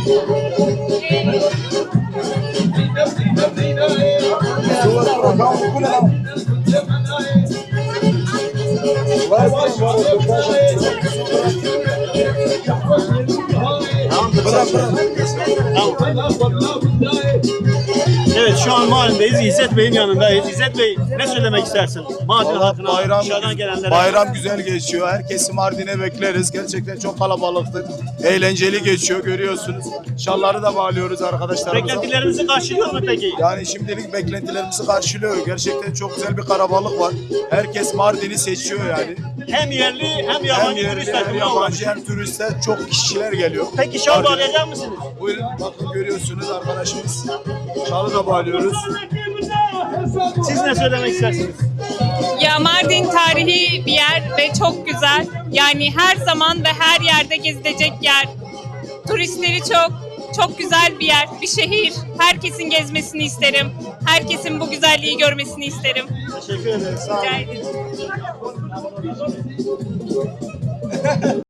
Evet, şu an Mardin'deyiz. İzzet Bey'in yanındayız. İzzet Bey, ne söylemek istersin? Mardin halkına, dışarıdan gelenlere. Bayram güzel geçiyor. Herkesi Mardin'e bekleriz. Gerçekten çok kalabalıktır. Eğlenceli geçiyor, görüyorsunuz. Şalları da bağlıyoruz arkadaşlarımıza. Beklentilerinizi karşılıyor mu peki? Yani şimdilik beklentilerimizi karşılıyor. Gerçekten çok güzel bir kalabalık var. Herkes Mardin'i seçiyor yani. Hem yerli hem Hem yabancı yerli turistler. hem yabancı hem turistler, çok kişiler geliyor. Peki şal bağlayacak mısınız? Buyurun, bakın görüyorsunuz arkadaşımız. Şalı da bağlıyoruz. Siz ne söylemek istersiniz? Ya Mardin tarihi bir yer ve çok güzel. Yani her zaman ve her yerde gezilecek yer. Turistleri çok güzel bir yer, bir şehir. Herkesin gezmesini isterim. Herkesin bu güzelliği görmesini isterim. Teşekkür ederim. Sağ olun. Rica ederim.